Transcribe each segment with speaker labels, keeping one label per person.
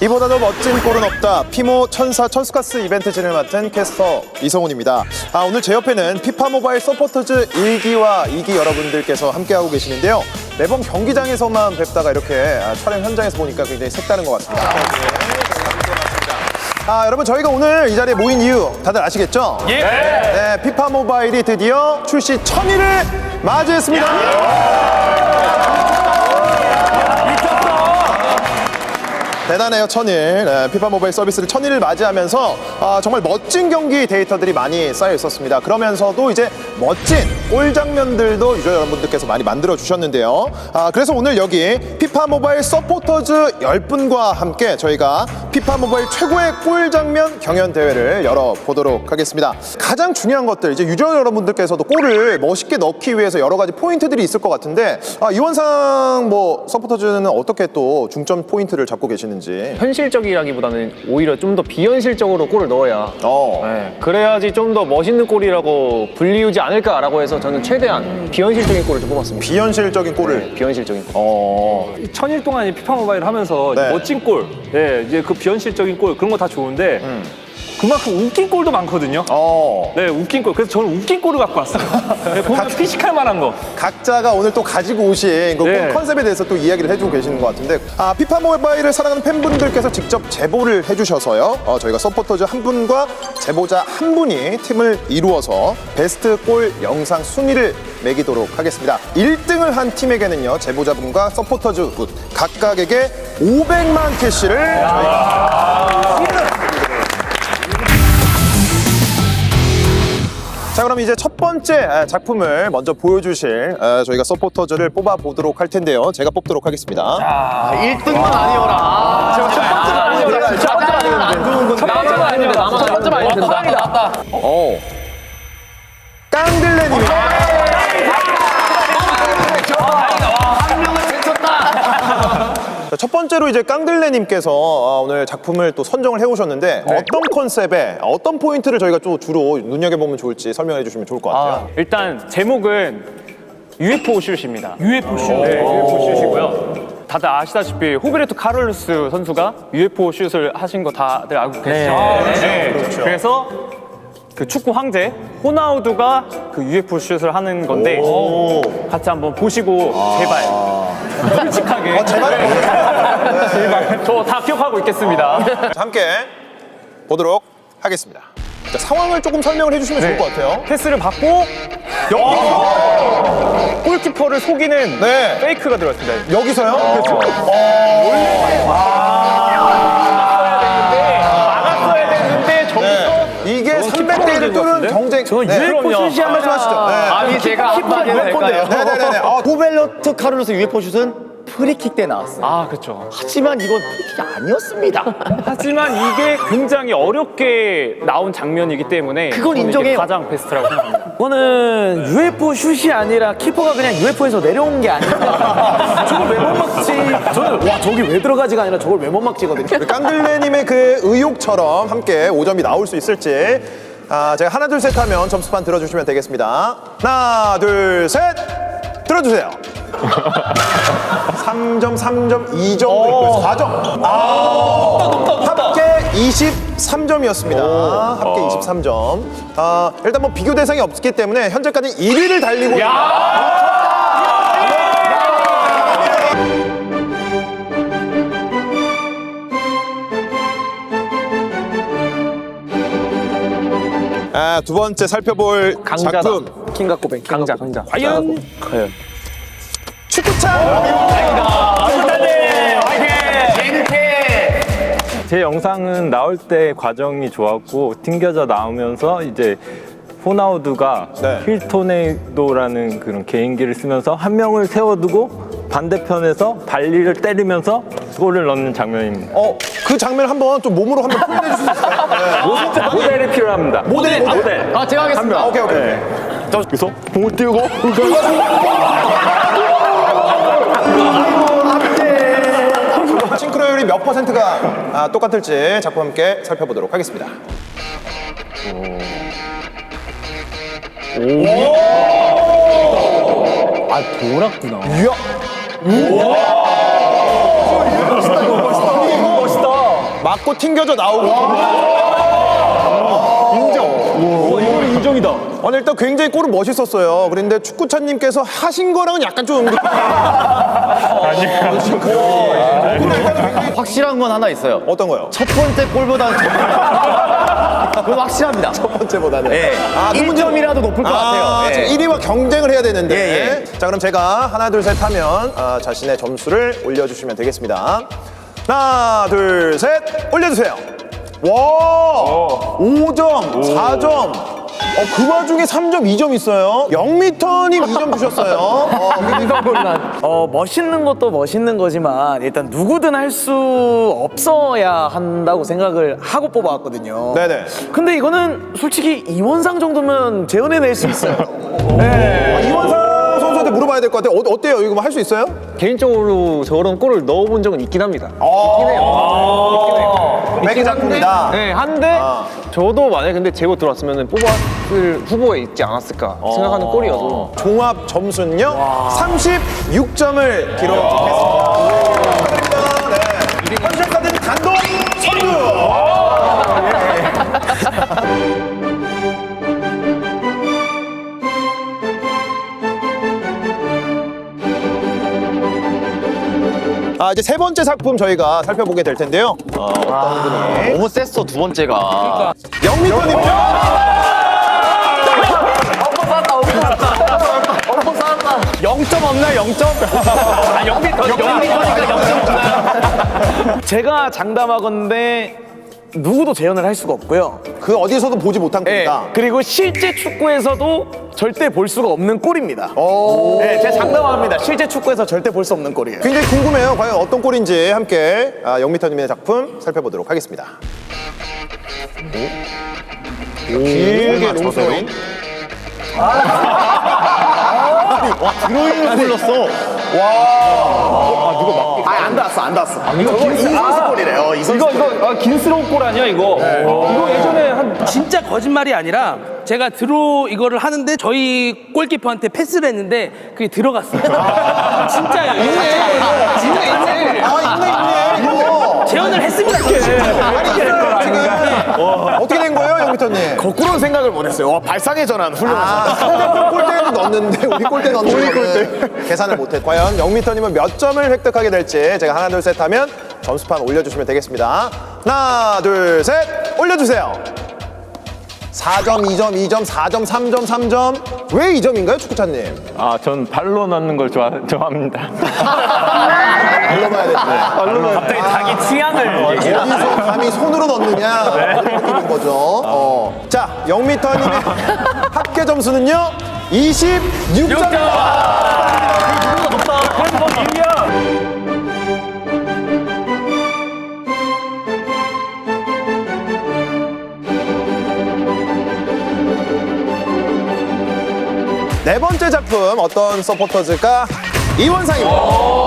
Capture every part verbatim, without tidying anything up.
Speaker 1: 이보다 더 멋진 골은 없다. 피모 천사 천스카스 이벤트 진행을 맡은 캐스터 이성훈입니다. 아, 오늘 제 옆에는 피파 모바일 서포터즈 일 기와 이 기 여러분들께서 함께하고 계시는데요. 매번 경기장에서만 뵙다가 이렇게 아, 촬영 현장에서 보니까 굉장히 색다른 것 같습니다. 아, 여러분 저희가 오늘 이 자리에 모인 이유 다들 아시겠죠? 예. 네, 피파 모바일이 드디어 출시 천일을 맞이했습니다. 대단해요, 천일. 네, 피파 모바일 서비스를 천일을 맞이하면서 아, 정말 멋진 경기 데이터들이 많이 쌓여 있었습니다. 그러면서도 이제 멋진 골 장면들도 유저 여러분들께서 많이 만들어 주셨는데요. 아, 그래서 오늘 여기 피파 모바일 서포터즈 열 분과 함께 저희가 피파 모바일 최고의 골 장면 경연 대회를 열어보도록 하겠습니다. 가장 중요한 것들, 이제 유저 여러분들께서도 골을 멋있게 넣기 위해서 여러 가지 포인트들이 있을 것 같은데 아, 이원상 뭐 서포터즈는 어떻게 또 중점 포인트를 잡고 계시는지?
Speaker 2: 현실적이라기보다는 오히려 좀 더 비현실적으로 골을 넣어야
Speaker 1: 어.
Speaker 2: 네, 그래야지 좀 더 멋있는 골이라고 불리우지 않을까라고 해서 저는 최대한 비현실적인 골을 좀 뽑았습니다.
Speaker 1: 비현실적인 골을.
Speaker 2: 네, 비현실적인 골.
Speaker 1: 어.
Speaker 3: 천일 동안 이 피파 모바일 하면서
Speaker 1: 네.
Speaker 3: 멋진 골, 네, 이제 그 비현실적인 골 그런 거 다 좋은데
Speaker 1: 음.
Speaker 3: 그만큼 웃긴 골도 많거든요.
Speaker 1: 어.
Speaker 3: 네, 웃긴 골. 그래서 저는 웃긴 골을 갖고 왔어요. 네, 보면 피식할 만한 거.
Speaker 1: 각자가 오늘 또 가지고 오신 그
Speaker 3: 네.
Speaker 1: 컨셉에 대해서 또 이야기를 해주고 계시는 것 같은데 아, 피파 모바일을 사랑하는 팬분들께서 직접 제보를 해주셔서요. 어, 저희가 서포터즈 한 분과 제보자 한 분이 팀을 이루어서 베스트 골 영상 순위를 매기도록 하겠습니다. 일 등을 한 팀에게는요. 제보자분과 서포터즈 분 각각에게 오백만 캐시를 저희가 자, 그럼 이제 첫 번째 작품을 먼저 보여주실 저희가 서포터즈를 뽑아보도록 할 텐데요. 제가 뽑도록 하겠습니다.
Speaker 4: 아, 일 등만 아니어라. 제가 첫 번째는 아니어라. 첫 번째는 안 좋은 건데.
Speaker 2: 첫 번째는 아니어라. 첫 번째는 아니어라. 된다.
Speaker 1: 오. 깡들레님이 첫 번째로 이제 깡들레님께서 오늘 작품을 또 선정을 해오셨는데
Speaker 2: 네.
Speaker 1: 어떤 컨셉에 어떤 포인트를 저희가 또 주로 눈여겨보면 좋을지 설명해 주시면 좋을 것 같아요.
Speaker 3: 아, 일단 제목은 유에프오 슛입니다.
Speaker 4: 유에프오 슛.
Speaker 3: 네, 유에프오 슛이고요. 다들 아시다시피 호베르토 카를로스 선수가 유에프오 슛을 하신 거 다들 알고 계시죠? 네.
Speaker 1: 그렇죠.
Speaker 3: 그래서 그 축구 황제 호나우두가 그 유에프오 슛을 하는 건데
Speaker 1: 오.
Speaker 3: 같이 한번 보시고 제발 솔직하게
Speaker 1: 어, 제발.
Speaker 3: 제발 저 다 기억하고 있겠습니다.
Speaker 1: 자, 함께 보도록 하겠습니다. 자, 상황을 조금 설명을 해주시면 좋을 것 같아요.
Speaker 3: 패스를 받고 여기서 골키퍼를 속이는
Speaker 1: 네.
Speaker 3: 페이크가 들어왔습니다.
Speaker 1: 여기서요? 그렇죠.
Speaker 3: 막았어야 되는데 저기서
Speaker 1: 이게 삼백 대 일 뚫은 경쟁.
Speaker 3: 저건
Speaker 1: 네.
Speaker 3: 유에프오 슛이
Speaker 1: 한 말씀 하시죠. 네.
Speaker 4: 아니, 제가 한마디 해도 될까요?
Speaker 1: 네네네. 어,
Speaker 4: 호벨로트 카를로스 유에프오 슛은 프리킥 때 나왔어요.
Speaker 3: 아 그렇죠.
Speaker 4: 하지만 이건 프리킥이 아니었습니다.
Speaker 3: 하지만 이게 굉장히 어렵게 나온 장면이기 때문에
Speaker 4: 그건
Speaker 3: 저는 이게
Speaker 4: 인정해요.
Speaker 3: 가장 베스트라고 생각합니다.
Speaker 5: 이거는 유에프오 슛이 아니라 키퍼가 그냥 유에프오에서 내려온 게 아닌가. 저걸 왜 못 막지? 저는 와 저기 왜 들어가지가 아니라 저걸 왜 못 막지거든요.
Speaker 1: 우리 깡들레님의 그 의욕처럼 함께 오 점이 나올 수 있을지 아, 제가 하나 둘 셋 하면 점수판 들어주시면 되겠습니다. 하나 둘 셋 들어주세요. 삼 점, 삼 점, 이 점, 그리고 사 점. 아, 합계 이십삼 점이었습니다. 합계 이십삼 점. 아, 일단 뭐 비교 대상이 없기 때문에 현재까지 일 위를 달리고 있습니다. 아, 두 번째 살펴볼
Speaker 2: 강자다.
Speaker 1: 작품
Speaker 5: 킹과 꼬뱅.
Speaker 2: 강자, 강자.
Speaker 3: 과연
Speaker 5: 과연.
Speaker 1: 축구창.
Speaker 6: 제 영상은 나올 때 과정이 좋았고 튕겨져 나오면서 이제 호나우두가
Speaker 1: 네.
Speaker 6: 힐토네이도라는 그런 개인기를 쓰면서 한 명을 세워두고 반대편에서 발리를 때리면서 골을 넣는 장면입니다.
Speaker 1: 어, 그 장면 한번 좀 몸으로 한번 표현해 주실 수 있어요? 네.
Speaker 6: 모델이 필요합니다.
Speaker 1: 모델, 모델.
Speaker 4: 아, 제가 하겠습니다.
Speaker 1: 아, 오케이, 오케이. 오케이.
Speaker 6: 여기서 공을 띄우고
Speaker 1: 싱크로율이 몇 퍼센트가 아, 똑같을지 작품 함께 살펴보도록 하겠습니다.
Speaker 5: 아 돌았구나.
Speaker 1: 이야. 우와. 멋있다, 이거 멋있다. 이거 멋있다. 맞고 튕겨져 나오고.
Speaker 2: 이거는 인정이다.
Speaker 1: 오늘 일단 굉장히 골은 멋있었어요. 그런데 축구차님께서 하신 거랑은 약간 좀 응급.
Speaker 4: 확실한 건 하나 있어요.
Speaker 1: 어떤 거요?
Speaker 4: 첫 번째 골보다는 그건 확실합니다.
Speaker 1: 첫 번째보다는.
Speaker 4: 예.
Speaker 1: 아, 그
Speaker 4: 일 점이라도 높을 것
Speaker 1: 아,
Speaker 4: 같아요. 예.
Speaker 1: 일 위와 경쟁을 해야 되는데.
Speaker 4: 예,
Speaker 1: 자, 그럼 제가 하나, 둘, 셋 하면 아, 자신의 점수를 올려주시면 되겠습니다. 하나, 둘, 셋, 올려주세요. 와, 오 점, 사 점. 어, 그 와중에 삼 점, 이 점 있어요. 영미터님 이 점 주셨어요. 어,
Speaker 5: 어, 멋있는 것도 멋있는 거지만 일단 누구든 할 수 없어야 한다고 생각을 하고 뽑아왔거든요.
Speaker 1: 네네.
Speaker 5: 근데 이거는 솔직히 이원상 정도면 재현해낼 수 있어요.
Speaker 1: 아, 이원상 선수한테 물어봐야 될 것 같아요. 어, 어때요? 이거 할 수 있어요?
Speaker 2: 개인적으로 저런 골을 넣어본 적은 있긴 합니다.
Speaker 1: 맥그 작품이다.
Speaker 2: 네, 한데 저도 만약에 근데 제보 들어왔으면 뽑았을 후보에 있지 않았을까 생각하는 골이어서
Speaker 1: 종합 점수는요 삼십육 점을 기록했습니다. 네. 현실카드 단독 선두. 아, 이제 세 번째 작품 저희가 살펴보게 될 텐데요. 어, 어떤 분이
Speaker 4: 너무 셌어, 두 번째가.
Speaker 1: 영미터님요.
Speaker 5: 영 점 없나? 영 점? 아, 영 미터, 영 미터니까 영 점 없나? 제가 장담하건대 누구도 재현을 할 수가 없고요.
Speaker 1: 그 어디서도 보지 못한
Speaker 5: 네,
Speaker 1: 겁니다.
Speaker 5: 그리고 실제 축구에서도 절대 볼 수가 없는 골입니다. 네, 제가 장담합니다. 실제 축구에서 절대 볼 수 없는 골이에요.
Speaker 1: 굉장히 궁금해요. 과연 어떤 골인지 함께 아, 영미터님의 작품 살펴보도록 하겠습니다. 오. 길게 롱스윙.
Speaker 4: 드로잉을 불렀어.
Speaker 5: 아, 안 닿았어, 안 닿았어. 이거 이선수 골이래요. 이선수
Speaker 2: 이거 이거 아, 긴스러운 골 아니야 이거? 이거 예전에 한
Speaker 7: 진짜 거짓말이 아니라 제가 드로 이거를 하는데 저희 골키퍼한테 패스를 했는데 그게 들어갔어요. 진짜요. 있네. 진짜 있네.
Speaker 1: 아, 있네, 있네. 이거.
Speaker 7: 재현을 했습니다.
Speaker 1: 어떻게 된 거예요, 영미터님?
Speaker 5: 거꾸로 생각을 못했어요. 와, 발상의 전환 훌륭하다.
Speaker 1: 아, 상대편 골대는 넣었는데 우리 골대 넣는 거는 계산을 못해. 과연 영미터님은 몇 점을 획득하게 될지 제가 하나, 둘, 셋 하면 점수판 올려주시면 되겠습니다. 하나, 둘, 셋, 올려주세요. 사 점, 이 점, 이 점, 사 점, 삼 점, 삼 점. 왜 이 점인가요, 축구차님?
Speaker 6: 아, 전 발로 넣는 걸 좋아, 좋아합니다.
Speaker 1: 발로봐야 되는데.
Speaker 5: 갑자기 자기 취향을
Speaker 1: 어디서 감히 손으로 넣느냐 이런 느낌인 거죠. 어. 자, 영미터님의 합계 점수는요 이십육 점. 네 번째 작품 어떤 서포터즈가 이원상입니다.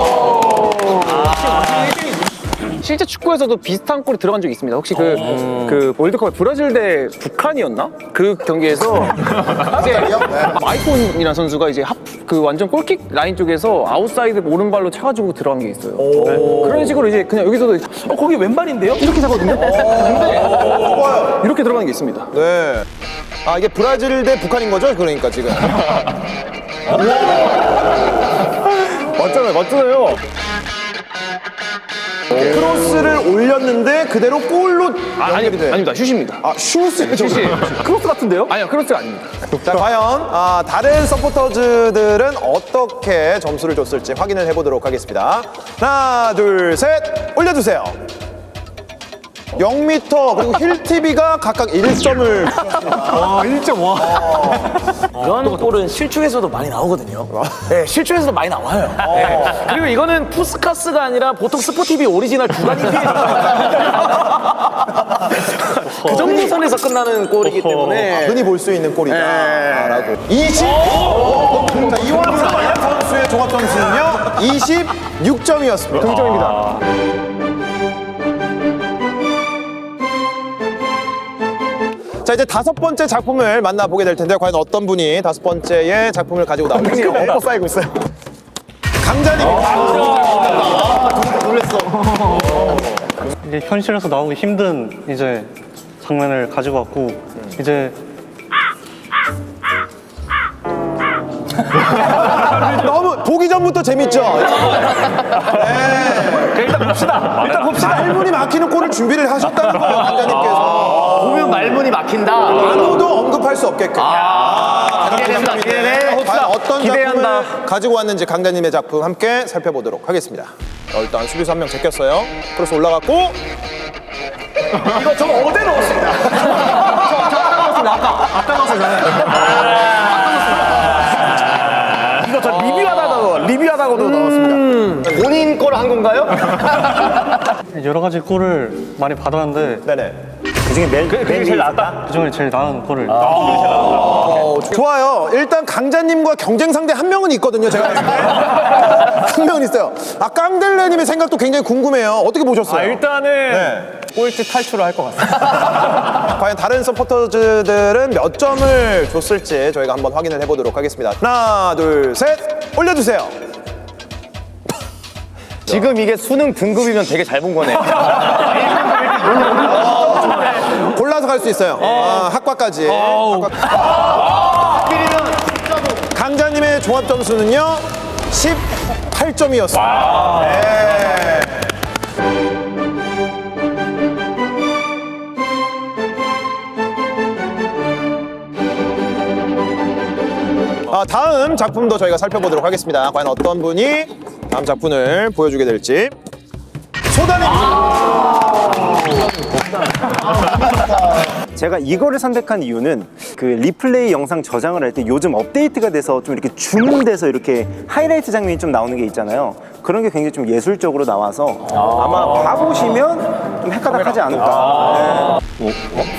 Speaker 2: 실제 축구에서도 비슷한 골이 들어간 적이 있습니다. 혹시 그, 그 월드컵 브라질 대 북한이었나? 그 경기에서 이제 마이콘이라는 선수가 이제 합, 그 완전 골킥 라인 쪽에서 아웃사이드 오른발로 차가지고 들어간 게 있어요. 네. 그런 식으로 이제 그냥 여기서도 어 거기 왼발인데요? 이렇게 차거든요. 근데 이렇게 들어가는 게 있습니다.
Speaker 1: 네. 아, 이게 브라질 대 북한인 거죠? 그러니까 지금.
Speaker 2: 맞잖아요, 맞잖아요.
Speaker 1: 크로스를 올렸는데 그대로 골로
Speaker 2: 아, 아니,
Speaker 1: 연결이 돼.
Speaker 2: 아닙니다. 슛입니다.
Speaker 1: 아, 슛을
Speaker 2: 슛이 크로스 같은데요? 아니요, 크로스가 아닙니다.
Speaker 1: 자, 과연 아, 다른 서포터즈들은 어떻게 점수를 줬을지 확인을 해보도록 하겠습니다. 하나, 둘, 셋, 올려주세요. 영 미터 그리고 힐티비가 각각 일 점을 주셨습니다.
Speaker 2: 아, 일 점 와.
Speaker 5: 이런 골은 실축에서도 많이 나오거든요. 네, 실축에서도 많이 나와요. 네. 그리고 이거는 푸스카스가 아니라 보통 스포티비 오리지널 주간이 그 정도 선에서 끝나는 골이기 때문에
Speaker 1: 흔히 볼 수 있는 골이다라고. 이십. 자, 이원상 선수의 종합 점수는요 이십육 점이었습니다.
Speaker 2: 동점입니다.
Speaker 1: 자, 이제 다섯 번째 작품을 만나보게 될 텐데 과연 어떤 분이 다섯 번째의 작품을 가지고 나올지 엎어 쌓이고 있어요. 강자님. 아, 놀랬어.
Speaker 8: 이제 현실에서 나오기 힘든 이제 장면을 가지고 왔고 이제
Speaker 1: 너무 보기 전부터 재밌죠? 네.
Speaker 5: 일단 봅시다. 일단 봅시다.
Speaker 1: 말문이 막히는 골을 준비를 하셨다는 거예요, 강자님께서.
Speaker 4: 보면 말문이 막힌다.
Speaker 1: 아무도 언급할 수 없게끔. 아,
Speaker 4: 기대된다, 기대돼.
Speaker 1: 과연 어떤
Speaker 5: 기대한다.
Speaker 1: 작품을 가지고 왔는지 강자님의 작품 함께 살펴보도록 하겠습니다. 어, 일단 수비수 한 명 제꼈어요. 크로스 올라갔고.
Speaker 5: 이거 저 어제 넣었습니다. 저, 저 아까 넣었습니다. 아까. 아까 넣었어요, 저는. 이거 저 리뷰하다가도, 리뷰하다가도 넣었습니다.
Speaker 4: 본인 걸 한 건가요?
Speaker 8: 여러 가지 골을 많이 받았는데
Speaker 1: 네네.
Speaker 5: 그중에 맨, 그게 제일 낫다?
Speaker 8: 그중에 제일 나은 골을
Speaker 1: 어, 좋아요. 일단 강자님과 경쟁 상대 한 명은 있거든요, 제가 봤을 때. 한 명은 있어요. 아, 깡델레님의 생각도 굉장히 궁금해요. 어떻게 보셨어요?
Speaker 3: 아, 일단은
Speaker 1: 네.
Speaker 3: 꼴찌 탈출을 할 것 같습니다.
Speaker 1: 과연 다른 서포터즈들은 몇 점을 줬을지 저희가 한번 확인을 해보도록 하겠습니다. 하나, 둘, 셋, 올려주세요.
Speaker 4: 지금 이게 수능 등급이면 되게 잘 본 거네.
Speaker 1: 골라서 갈 수 있어요. 아, 학과까지. 학과. 강자님의 종합 점수는요, 십팔 점이었습니다. 네. 아, 다음 작품도 저희가 살펴보도록 하겠습니다. 과연 어떤 분이 다음 작품을 보여주게 될지. 소다님!
Speaker 9: 제가 이거를 선택한 이유는 그 리플레이 영상 저장을 할 때 요즘 업데이트가 돼서 좀 이렇게 줌돼서 이렇게 하이라이트 장면이 좀 나오는 게 있잖아요. 그런 게 굉장히 좀 예술적으로 나와서 아마 봐보시면 좀 헷가닥하지 않을까. 네.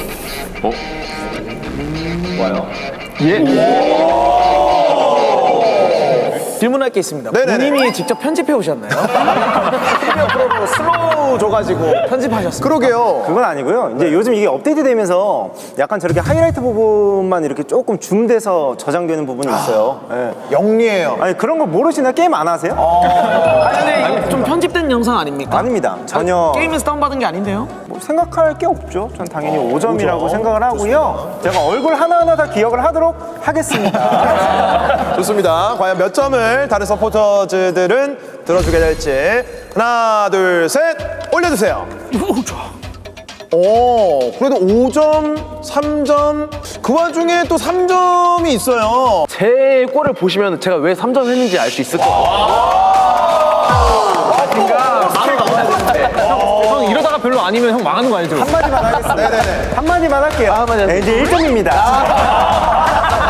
Speaker 5: 질문할 게 있습니다.
Speaker 1: 네네네.
Speaker 5: 본인이 직접 편집해 오셨나요? 프로로 슬로우 줘가지고 편집하셨어요.
Speaker 1: 그러게요.
Speaker 9: 그건 아니고요. 이제 요즘 이게 업데이트 되면서 약간 저렇게 하이라이트 부분만 이렇게 조금 줌돼서 저장되는 부분이 있어요. 네.
Speaker 1: 영리해요.
Speaker 9: 아니 그런 거 모르시나? 게임 안 하세요?
Speaker 5: 아니, 근데 이거 좀 편집된 영상 아닙니까?
Speaker 9: 아닙니다. 전혀
Speaker 5: 게임에서 다운받은 게 아닌데요?
Speaker 9: 뭐 생각할 게 없죠. 전 당연히 오 점이라고 생각을 하고요. 제가 얼굴 하나하나 다 기억을 하도록 하겠습니다.
Speaker 1: 좋습니다. 과연 몇 점을 다른 서포터즈들은 들어주게 될지. 하나, 둘, 셋, 올려주세요. 오, 그래도 오 점, 삼 점. 그 와중에 또 삼 점이 있어요.
Speaker 2: 제 골을 보시면 제가 왜 삼 점 했는지 알 수 있을 것 같아요. 형 이러다가 별로 아니면 형 망하는 거 알죠?
Speaker 9: 한마디만 하겠습니다.
Speaker 1: 네네네.
Speaker 9: 한마디만 할게요. 네, 이제 일 점입니다.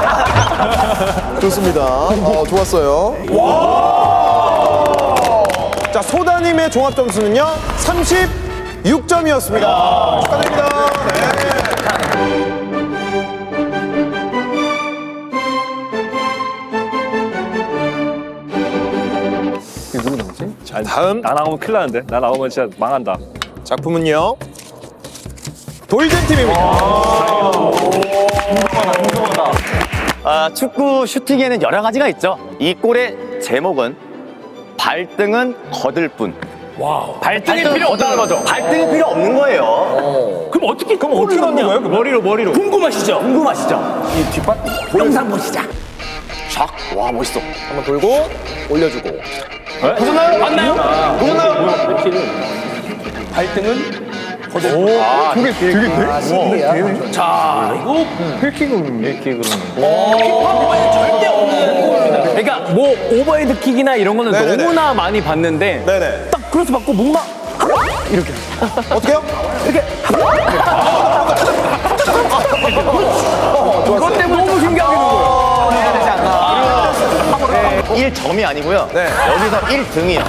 Speaker 1: 좋습니다. 어, 좋았어요. 자, 소다님의 종합 점수는요, 삼십육 점이었습니다. 축하드립니다. 네.
Speaker 3: 누구 남지?
Speaker 1: 자, 다음
Speaker 3: 나 나오면 큰일 나는데. 나 나오면 진짜 망한다.
Speaker 1: 작품은요, 돌잼 팀입니다.
Speaker 4: 아, 축구 슈팅에는 여러 가지가 있죠. 이 골의 제목은 발등은 거들 뿐.
Speaker 3: 발등이 필요 없다는 거죠.
Speaker 4: 발등이 필요 없는 거예요.
Speaker 7: 그럼 어떻게 그럼 어떻게 넣는 거예요?
Speaker 3: 머리로 머리로.
Speaker 7: 궁금하시죠?
Speaker 4: 궁금하시죠?
Speaker 7: 이 뒷발 영상 보시자.
Speaker 4: 샥, 와 멋있어.
Speaker 1: 한번 돌고, 올려주고.
Speaker 7: 보셨나요? 맞나요? 보셨나요? 발등은
Speaker 1: 아, 되게, 되게,
Speaker 7: 자 이거
Speaker 6: 힐킥으로 힐킥으로.
Speaker 7: 키퍼는 절대 없는 골입니다.
Speaker 2: 그러니까 뭐 오버헤드 킥이나 이런 거는
Speaker 1: 네네네.
Speaker 2: 너무나 많이 봤는데
Speaker 1: 네네.
Speaker 2: 딱 크로스 받고 뭔가
Speaker 1: 어떻게요?
Speaker 2: 그것 때문에 너무 신기하게 된 거예요.
Speaker 4: 일 점이 아니고요.
Speaker 1: 네.
Speaker 4: 여기서 일 등이요.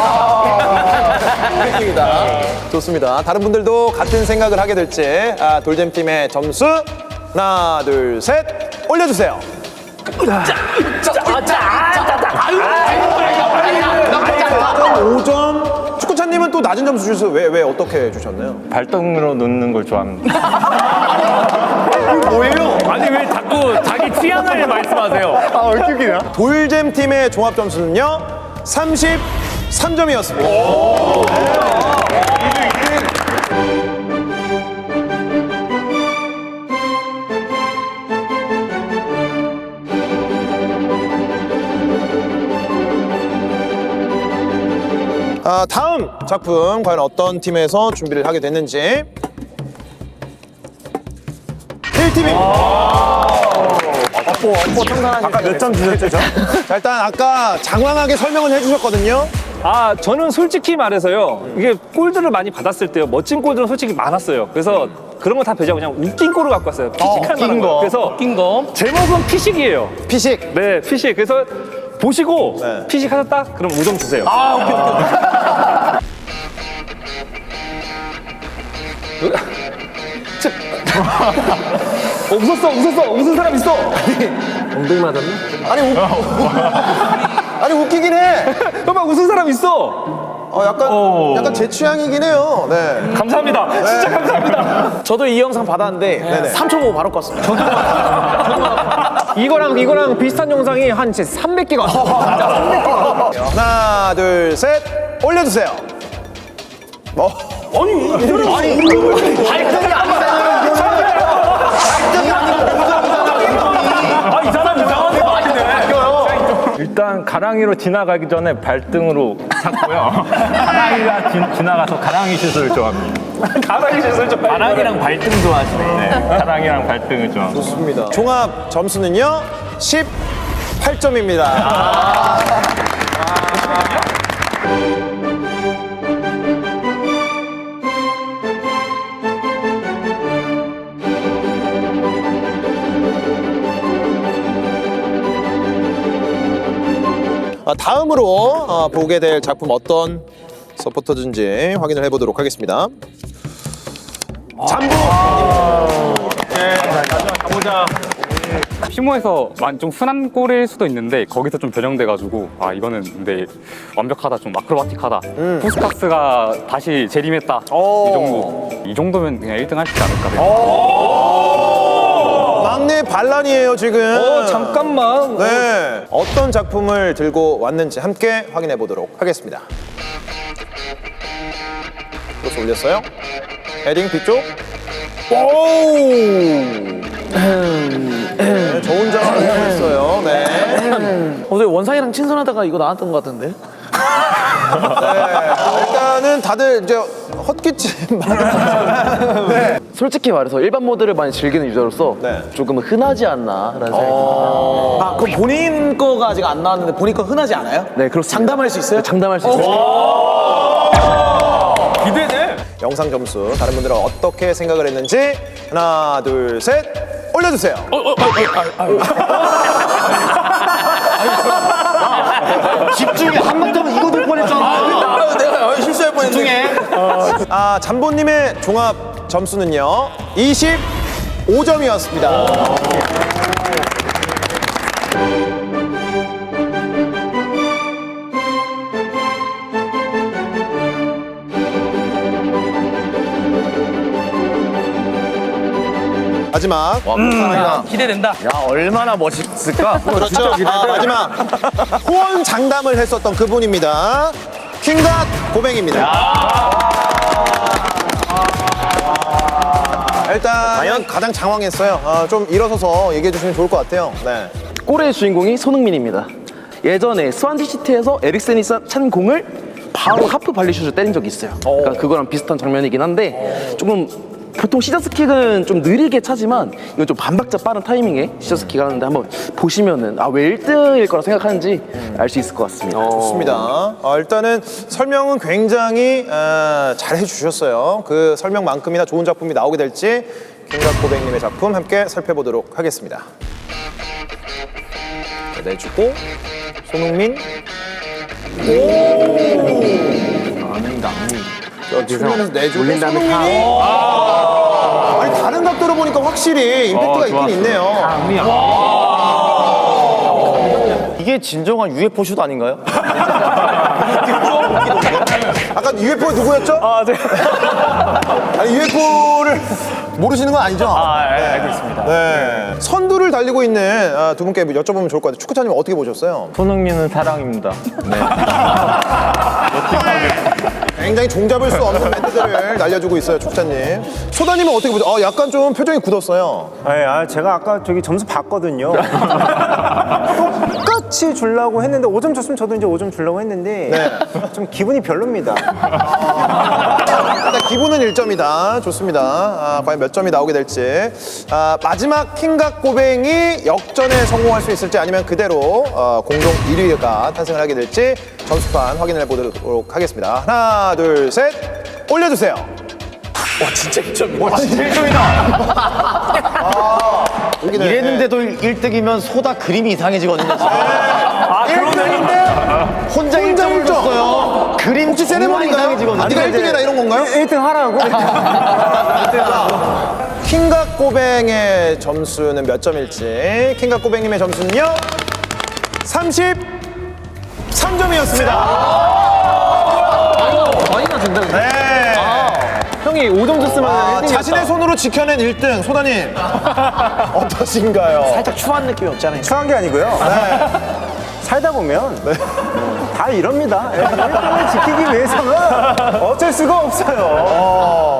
Speaker 1: 입니다. 좋습니다. 다른 분들도 같은 생각을 하게 될지. 아, 돌잼 팀의 점수 하나, 둘, 셋, 올려주세요. 오 점. 축구차님은 또 낮은 점수 주셔서 왜, 왜 어떻게 주셨나요?
Speaker 6: 발등으로 놓는 걸 좋아합니다.
Speaker 3: 뭐예요? 아니 왜 자꾸 자기 취향을 말씀하세요?
Speaker 1: 돌잼 팀의 종합 점수는요, 삼십삼 점이었습니다. 작품 과연 어떤 팀에서 준비를 하게 됐는지. K팀입니다.
Speaker 9: 아까 몇 점 주셨죠, 저?
Speaker 1: 자, 일단 아까 장황하게 설명을 해주셨거든요.
Speaker 3: 아, 저는 솔직히 말해서요. 이게 골들을 많이 받았을 때요. 멋진 골들은 솔직히 많았어요. 그래서 그런 거 다 배제하고 그냥 웃긴 골을 갖고 왔어요. 피식할 만한 거. 그래서
Speaker 7: 웃긴 거.
Speaker 3: 제목은 피식이에요.
Speaker 1: 피식.
Speaker 3: 네, 피식. 그래서 보시고
Speaker 1: 네.
Speaker 3: 피식 하셨다? 그럼 오 점 주세요.
Speaker 2: 어, 웃었어, 웃었어, 웃은 사람 있어. 엉덩이 맞았나?
Speaker 1: 아니, 웃, 아니 웃기긴 해.
Speaker 2: 잠깐만, 웃은 사람 있어.
Speaker 1: 어, 약간, 약간 제 취향이긴 해요. 네.
Speaker 3: 감사합니다. 진짜 감사합니다.
Speaker 5: 저도 이 영상 받았는데
Speaker 1: 네네.
Speaker 5: 삼 초 보고 바로 껐습니다. 저도
Speaker 2: 이거랑 이거랑 비슷한 영상이 한 진짜 삼백 개가 왔어. 진짜 삼백 개가.
Speaker 1: 하나, 둘, 셋. 올려주세요. 어.
Speaker 3: 아, 이 사람 이상한 거 아니네.
Speaker 6: 일단 가랑이로 지나가기 전에 발등으로 잡고요. 가랑이가 지, 지나가서 가랑이 슛을 좋아합니다.
Speaker 3: 가랑이 슛을 좀
Speaker 6: 가랑이랑 발등 좋아하시네. 네, 가랑이랑 발등을 좋아합니다.
Speaker 1: 좋습니다. 종합 점수는요, 십팔 점입니다. 아, 다음으로 어, 보게 될 작품 어떤 서포터즈인지 확인을 해보도록 하겠습니다. 잠부!
Speaker 3: 피모에서 좀 순한 골일 수도 있는데 거기서 좀 변형돼가지고 아 이거는 근데 완벽하다 좀 아크로바틱하다 푸스카스가 다시 재림했다 이 정도 이 정도면 그냥 일 등 할 수 있지 않을까
Speaker 1: 막내 반란이에요 지금.
Speaker 2: 어, 잠깐만.
Speaker 1: 네. 어떤 작품을 들고 왔는지 함께 확인해 보도록 하겠습니다. 크로스 올렸어요. 헤딩 뒤쪽. 오! 네, 좋은 장을 하고 있어요. 네.
Speaker 5: 어제 원상이랑 친선하다가 이거 나왔던 것 같은데?
Speaker 1: 네. 일단은 다들 이제 헛기침 많이 네.
Speaker 10: 솔직히 말해서 일반 모드를 많이 즐기는 유저로서
Speaker 1: 네.
Speaker 10: 조금 흔하지 않나라는 생각이 듭니다.
Speaker 5: 아, 그럼 본인 거가 아직 안 나왔는데 본인 거 흔하지 않아요?
Speaker 10: 네, 그렇습니다.
Speaker 5: 장담할 수 있어요?
Speaker 10: 장담할 수 있어요.
Speaker 3: 기대돼.
Speaker 1: 영상 점수 다른 분들은 어떻게 생각을 했는지 하나 둘 셋 올려주세요.
Speaker 4: 집중해. 한 번 더면 이거 될 뻔했잖아.
Speaker 5: 내가 실수할 뻔했네.
Speaker 1: 아, 잠보님의 종합 점수는요 이십오 점이었습니다. 마지막
Speaker 7: 기대된다.
Speaker 4: 야, 얼마나 멋있을까?
Speaker 1: 그렇죠. 아, 마지막 후원 장담을 했었던 그분입니다. 킹갓 고뱅입니다. 일단 과연 가장 장황했어요. 아, 좀 일어서서 얘기해 주시면 좋을 것 같아요. 네.
Speaker 10: 골의 주인공이 손흥민입니다. 예전에 스완지시티에서 에릭센이 찬 공을 바로 하프 발리슛을 때린 적이 있어요. 그러니까 그거랑 비슷한 장면이긴 한데 조금 보통 시저스킥은 좀 느리게 차지만 이건 좀 반박자 빠른 타이밍에 시저스킥 하는데 한번 보시면은 아, 왜 일 등일 거라 생각하는지 알 수 있을 것 같습니다.
Speaker 1: 좋습니다. 아, 일단은 설명은 굉장히 아, 잘 해주셨어요. 그 설명만큼이나 좋은 작품이 나오게 될지 킹갓 고백님의 작품 함께 살펴보도록 하겠습니다. 자, 내주고 손흥민.
Speaker 10: 아닙니다.
Speaker 1: 저 측면에서 내주고 손흥민이. 아, 아니 다른 각도로 보니까 확실히 임팩트가 있긴 있네요.
Speaker 4: 이게 진정한 유에프오 슛 아닌가요?
Speaker 1: 아까 유에프오 누구였죠? 아, 네. 아니 유에프오를 모르시는 건 아니죠?
Speaker 3: 아, 알고 있습니다.
Speaker 1: 네. 선두를 달리고 있는 아, 두 분께 여쭤보면 좋을 것 같아요. 축구차님 어떻게 보셨어요?
Speaker 6: 손흥민은 사랑입니다. 네.
Speaker 1: 굉장히 종잡을 수 없는 멘트들을 날려주고 있어요, 축구차님. 소다님은 어떻게 보죠? 아, 약간 좀 표정이 굳었어요.
Speaker 9: 네, 아, 제가 아까 저기 점수 봤거든요.
Speaker 1: 똑같
Speaker 9: 같이 주려고 했는데 오 점 줬으면 저도 이제 오 점 주려고 했는데 좀 기분이 별로입니다.
Speaker 1: 일단 기분은 일 점이다. 좋습니다. 아, 과연 몇 점이 나오게 될지. 아, 마지막 킹각 고뱅이 역전에 성공할 수 있을지 아니면 그대로 어, 공동 일 위가 탄생을 하게 될지 점수판 확인해 보도록 하겠습니다. 하나, 둘, 셋. 올려주세요.
Speaker 5: 와 진짜 일 점이다.
Speaker 1: 와, 진짜 일 점이다. 아, 여기는,
Speaker 4: 이랬는데도 일 등이면 소다 그림이 이상해지거든요.
Speaker 1: 아, 그러는데
Speaker 4: 혼자 일 점을
Speaker 1: 일 점.
Speaker 4: 줬어요. 그림
Speaker 1: 혹시 세레모니인가요?
Speaker 4: 이상해지거든요.
Speaker 1: 아, 네가 일 등이라 이런 건가요?
Speaker 9: 일 등 하라고?
Speaker 1: 킹각 고뱅의 점수는 몇 점일지. 킹각 고뱅님의 점수는요? 삼십삼 점이었습니다.
Speaker 2: 많이 낮은데.
Speaker 1: 네.
Speaker 2: 형이 오 점 줬으면
Speaker 1: 아,
Speaker 2: 일 등이었다.
Speaker 1: 자신의 손으로 지켜낸 일 등 소다님 어떠신가요?
Speaker 5: 살짝 추한 느낌이 없잖아요.
Speaker 9: 추한 게 아니고요. 살다 보면 다 이럽니다. 일 등을 지키기 위해서는 어쩔 수가 없어요.
Speaker 1: 어.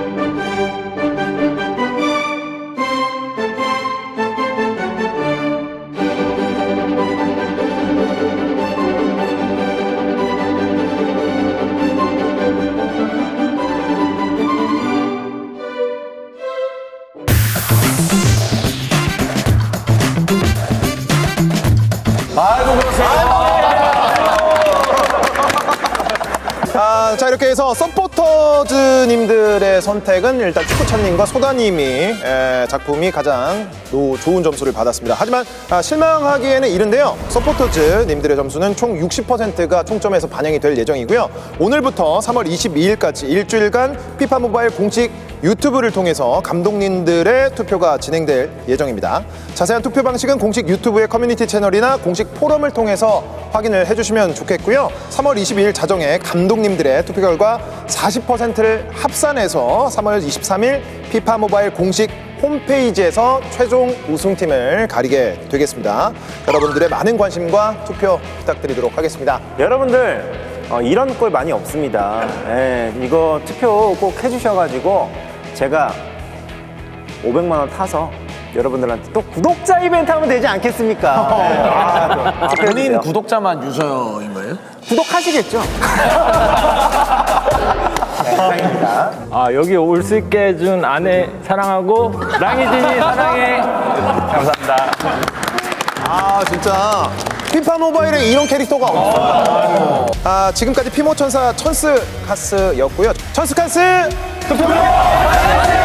Speaker 1: 아, 자 이렇게 해서 서포터즈님들의 선택은 일단 축구찬님과 소다님이 에, 작품이 가장 노, 좋은 점수를 받았습니다. 하지만 아, 실망하기에는 이른데요. 서포터즈님들의 점수는 총 육십 퍼센트가 총점에서 반영이 될 예정이고요. 오늘부터 삼월 이십이일까지 일주일간 피파 모바일 공식 유튜브를 통해서 감독님들의 투표가 진행될 예정입니다. 자세한 투표 방식은 공식 유튜브의 커뮤니티 채널이나 공식 포럼을 통해서 확인을 해주시면 좋겠고요. 삼월 이십이일 자정에 감독님들의 투표 결과 사십 퍼센트를 합산해서 삼월 이십삼일 피파 모바일 공식 홈페이지에서 최종 우승팀을 가리게 되겠습니다. 여러분들의 많은 관심과 투표 부탁드리도록 하겠습니다.
Speaker 9: 여러분들 어, 이런 꼴 많이 없습니다. 예, 이거 투표 꼭 해주셔가지고 제가 오백만 원 타서 여러분들한테 또 구독자 이벤트 하면 되지 않겠습니까? 예, 아, 또
Speaker 5: 본인 구독자만 유저인 거예요?
Speaker 9: 구독하시겠죠?
Speaker 6: 아 여기 올 수 있게 해준 아내 사랑하고 랑이진이 사랑해. 감사합니다.
Speaker 1: 아 진짜 피파 모바일에 이런 캐릭터가 없어요. 아 지금까지 피모천사 천스카스였고요. 천스카스 투표